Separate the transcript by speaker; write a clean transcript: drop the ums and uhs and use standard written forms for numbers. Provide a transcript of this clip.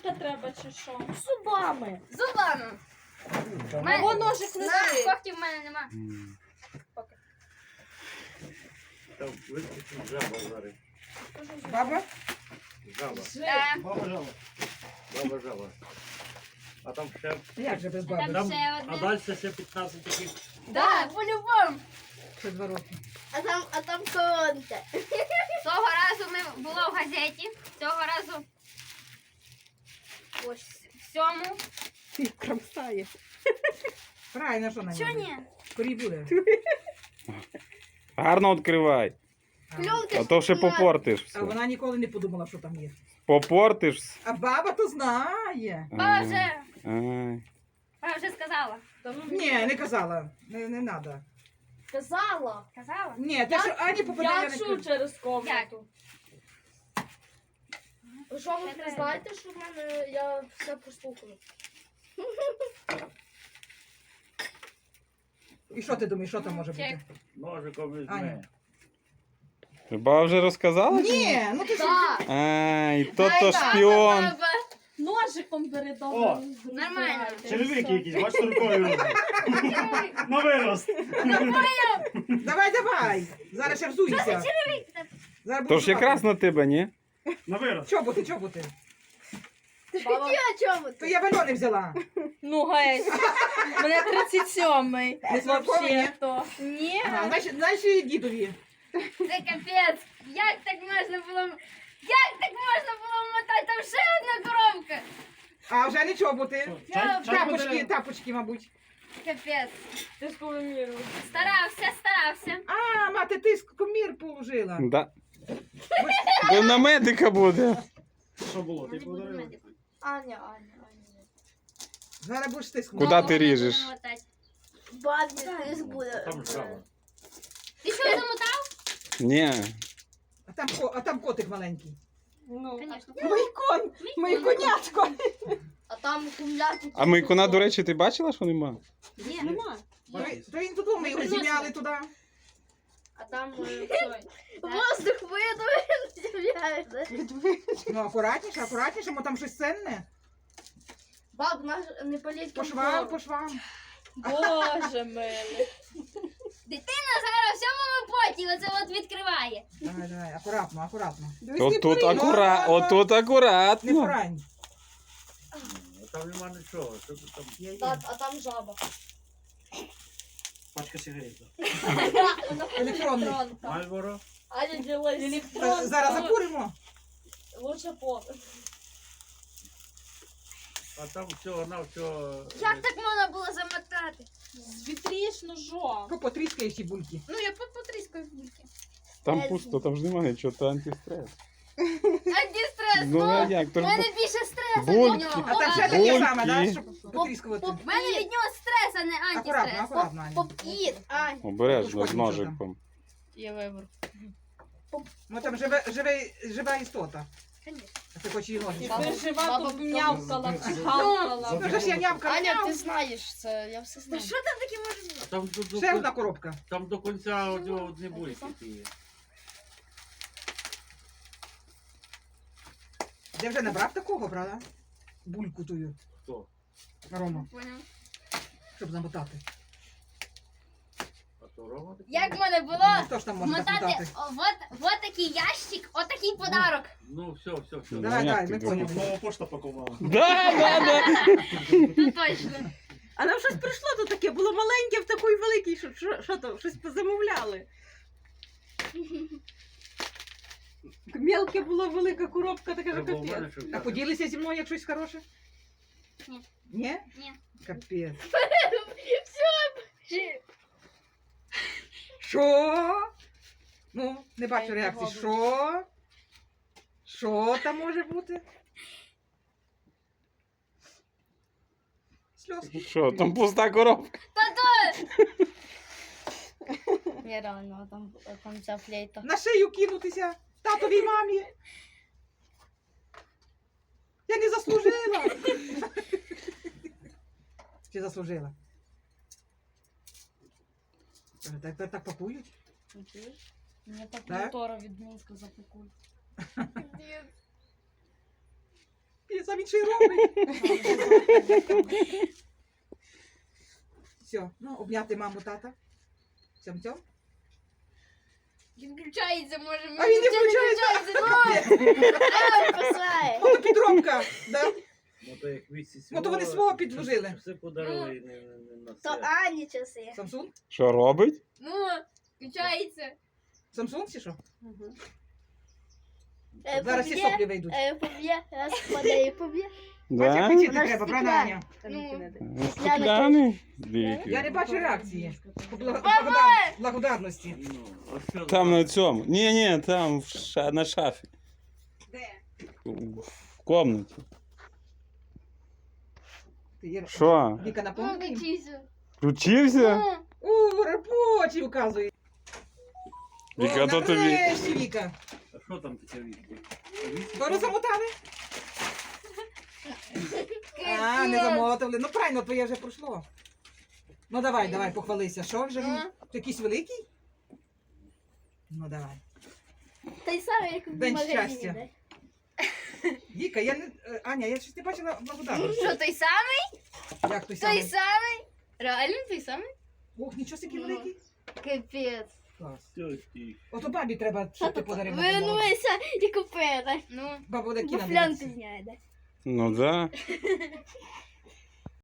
Speaker 1: ложка треба чи що?
Speaker 2: Зубами.
Speaker 3: Зубами.
Speaker 1: Або ножик не бери.
Speaker 3: Когтів в мене нема.
Speaker 4: Там вискочить жаба зараз.
Speaker 5: Баба?
Speaker 4: Жаба.
Speaker 6: Баба жаба.
Speaker 4: Баба жаба. А там ще...
Speaker 5: Як же без
Speaker 3: Там
Speaker 5: баби?
Speaker 4: Там,
Speaker 3: ще
Speaker 4: а
Speaker 3: одне.
Speaker 4: далі ще 15 таких.
Speaker 3: Да, по-любому.
Speaker 5: Ще 2 роки.
Speaker 2: А там коронка.
Speaker 3: Того разу ми було в газеті. Цього разу ось в цьому.
Speaker 2: Ти кромсає.
Speaker 5: Правильно, що на
Speaker 3: Чого
Speaker 5: ньому?
Speaker 3: ні?
Speaker 5: Корій буде.
Speaker 7: Гарно відкривай.
Speaker 2: Кльонка
Speaker 7: А то ще попортиш
Speaker 5: А
Speaker 7: все.
Speaker 5: вона ніколи не подумала, що там є.
Speaker 7: Попортиш.
Speaker 5: А баба то знає.
Speaker 3: Баба
Speaker 7: Ай.
Speaker 3: вже сказала.
Speaker 5: Ні, не казала. Не треба.
Speaker 1: Казала.
Speaker 3: Казала?
Speaker 5: Ні, те, що Ані попаде,
Speaker 1: Я
Speaker 5: я не
Speaker 1: чую
Speaker 5: кажу.
Speaker 1: через комнату.
Speaker 2: Що ви не знаєте, що в мене я все прослухала?
Speaker 5: І що ти думаєш, що там може бути?
Speaker 3: Чек.
Speaker 4: Ножиком візьми.
Speaker 5: Аня.
Speaker 7: Баба вже розказала?
Speaker 5: Ні, ну ти що?
Speaker 2: Так.
Speaker 7: Ай, то шпіон.
Speaker 3: Баба.
Speaker 1: Ножиком бери
Speaker 6: О,
Speaker 1: добре.
Speaker 3: нормально.
Speaker 6: Черевики якісь, бачите, рукою роблять. На вирост.
Speaker 5: Давай. Зараз ще взуйся. Зараз
Speaker 7: То
Speaker 5: буду
Speaker 7: ж якраз на тебе, ні?
Speaker 6: На вирост.
Speaker 5: Чоботи.
Speaker 2: Баба. Я чому
Speaker 5: То я бальони взяла.
Speaker 1: Ну геть. Мене 37-й.
Speaker 5: Не смаковані?
Speaker 1: Вообще-то. Ні.
Speaker 5: Ага, значить дідові.
Speaker 3: Це капець. Як так можна було... Як так можна було мотати? Там ще одна коробка.
Speaker 5: А вже не чоботи.
Speaker 6: Чай
Speaker 5: Тапочки,
Speaker 6: подарив.
Speaker 5: тапочки, мабуть.
Speaker 3: Капець.
Speaker 1: Ти ж повимірила.
Speaker 3: Старався.
Speaker 5: А, мати, ти комір положила.
Speaker 7: Да. Бо на медика буде.
Speaker 6: Що було? Ти
Speaker 3: Не буду
Speaker 6: подарила?
Speaker 3: медиком.
Speaker 2: Аня.
Speaker 5: Зараз будеш ти
Speaker 7: Куда ти ріжеш?
Speaker 2: Бабі, ти буде.
Speaker 4: Там жаба.
Speaker 3: Ти що замотав?
Speaker 7: Ні.
Speaker 5: А там котик маленький.
Speaker 1: Ну.
Speaker 3: Звісно.
Speaker 1: Мої конятко.
Speaker 2: А там кумляти.
Speaker 7: А Микона, до речі, ти бачила, що нема?
Speaker 3: Ні.
Speaker 1: Нема.
Speaker 5: То він додому, ми його зім'яли туди.
Speaker 2: А там воздух видує.
Speaker 5: Ну, акуратніше, бо там щось ценне.
Speaker 2: Баб, наш не політь
Speaker 5: По швам.
Speaker 1: Боже милий.
Speaker 3: Дитина зараз в цьому поті оце от відкриває.
Speaker 5: Давай, акуратно.
Speaker 7: Отут
Speaker 5: Не
Speaker 7: акуратно.
Speaker 5: порань.
Speaker 4: Там нема нічого. Що ти там?
Speaker 2: А там жаба.
Speaker 6: Пачка сигарет.
Speaker 5: Електронний.
Speaker 4: Мальборо?
Speaker 1: Аня ділась. Електрон.
Speaker 5: Зараз закуримо.
Speaker 1: Лучше по.
Speaker 4: А там всього на всього...
Speaker 3: Як так можна було замотати?
Speaker 1: Звітріш ножом.
Speaker 5: Потріскаєш ці бульки.
Speaker 3: Ну я потріскаю в бульки.
Speaker 7: Там пусто, там ж немає нічого, то антистрес.
Speaker 3: Антистрес.
Speaker 7: Ну а як?
Speaker 3: У
Speaker 7: То ж
Speaker 3: мене більше стресу
Speaker 7: Бульки.
Speaker 3: від нього.
Speaker 5: А там ще
Speaker 7: Бульки.
Speaker 5: таке саме, да, щоб потріскувати.
Speaker 3: У мене від нього стрес, а не антистрес.
Speaker 5: Акуратно, Аня.
Speaker 2: Попкіт, Аня.
Speaker 7: обережно з
Speaker 5: Тут
Speaker 7: ножиком.
Speaker 1: Є вибор.
Speaker 5: Ну там жива істота.
Speaker 3: Конечно.
Speaker 5: А ти хочеш її
Speaker 1: І
Speaker 5: ножичком.
Speaker 1: ти жива,
Speaker 2: Баба,
Speaker 1: тут м'явкала, чихалкала.
Speaker 5: Ну, вже ж я нявка.
Speaker 2: Аня, ти знаєш це, я все
Speaker 3: Ну
Speaker 2: знаю.
Speaker 3: що там таке може бути?
Speaker 4: Там
Speaker 5: Ще одна коробка.
Speaker 4: Там до кінця одні бульки є.
Speaker 5: Ти вже набрав такого, правда? Бульку тую,
Speaker 4: Хто?
Speaker 5: Рома,
Speaker 3: Поняв.
Speaker 5: щоб замотати.
Speaker 4: А то Рома такий?
Speaker 3: Як в мене було
Speaker 5: Ну, хто ж там може так
Speaker 3: мотати
Speaker 5: мотати?
Speaker 3: вот такий ящик, отакий подарок.
Speaker 4: Ну, все.
Speaker 5: Давай,
Speaker 7: як
Speaker 5: давай,
Speaker 7: ти
Speaker 5: ми
Speaker 7: думав?
Speaker 5: поняли.
Speaker 6: Нова пошта пакувала.
Speaker 7: Да.
Speaker 3: Ну точно.
Speaker 8: А нам щось прийшло тут таке, було маленьке в такий великий, що то, щось позамовляли. Мелке було, велика коробка, така
Speaker 4: Треба у мене
Speaker 8: капець.
Speaker 4: щось
Speaker 5: А
Speaker 4: взяти.
Speaker 5: поділися зі мною як щось хороше?
Speaker 3: Ні.
Speaker 5: Ні?
Speaker 3: Ні.
Speaker 5: Капець. Що? Ну, не бачу реакції. Що? Що там може бути? Сльозки.
Speaker 7: Що, там пуста коробка?
Speaker 2: Ні, реально, там ця флейта.
Speaker 5: На шию кинутися татовій мамі. Я не заслужила. Чи заслужила? Так пакують?
Speaker 2: Мені так
Speaker 5: Так?
Speaker 2: мотора від Мінська запекуть.
Speaker 5: Піс. а він ще й робить. Все, ну, обняти маму, тата. Цьом-цьом.
Speaker 3: Він включається, може.
Speaker 5: А він не включається.
Speaker 3: Посилає.
Speaker 5: Ото підробка. Да?
Speaker 4: Ну то як вісі
Speaker 5: Ну, то вони свого підложили.
Speaker 4: Все подарили і не на
Speaker 3: То
Speaker 4: це.
Speaker 3: Ані часи.
Speaker 5: Samsung?
Speaker 7: Що робить?
Speaker 3: Ну, включається.
Speaker 5: Samsung чи що?
Speaker 3: Е,
Speaker 5: Зараз всі
Speaker 3: поб'є,
Speaker 5: соплі вийдуть.
Speaker 3: Поб'є, раз впаде і поб'є.
Speaker 5: Бачиш,
Speaker 7: Да?
Speaker 5: хотіти
Speaker 3: Вона ж
Speaker 5: треба, правда,
Speaker 3: стекляна.
Speaker 5: Аня?
Speaker 3: Ну,
Speaker 7: Стекляний? Дивіться.
Speaker 5: Я не бачу реакції. Благодарності.
Speaker 4: Ну, а що
Speaker 7: Там на цьому. Ні, там на шафі.
Speaker 5: Де?
Speaker 7: В комнаті.
Speaker 5: Ти, Іра,
Speaker 7: Що?
Speaker 5: Віка,
Speaker 3: Ну,
Speaker 5: напомни їм?
Speaker 3: включився.
Speaker 7: Включився?
Speaker 3: Ну,
Speaker 5: У, робочий указує.
Speaker 7: Віка, то тобі.
Speaker 5: нарешті, Віка.
Speaker 4: А що там таке вісі?
Speaker 5: Скоро замотали? А, не замотали. Ну, правильно, твоє вже пройшло. Ну, давай, похвалися. Що вже він?
Speaker 3: Ну.
Speaker 5: Ти якийсь великий? Ну, давай.
Speaker 3: той самий, як в
Speaker 5: День
Speaker 3: магазині.
Speaker 5: щастя.
Speaker 3: де.
Speaker 5: Віка, Аня, я щось не бачила благодарності.
Speaker 3: Що, той самий?
Speaker 5: Як той
Speaker 3: Той
Speaker 5: самий?
Speaker 3: самий? Реально той самий?
Speaker 5: Ох, нічого такий
Speaker 3: Ну.
Speaker 5: великий.
Speaker 3: Капець.
Speaker 5: Клас.
Speaker 4: Все, стій.
Speaker 5: Ото бабі треба, щоб ти подарив. на день народження.
Speaker 3: Вернуйся і купи, так? Ну,
Speaker 5: Баба буде
Speaker 3: бо
Speaker 5: кіно
Speaker 3: флянки
Speaker 5: дивитися.
Speaker 3: зняє, да?
Speaker 7: Ну да.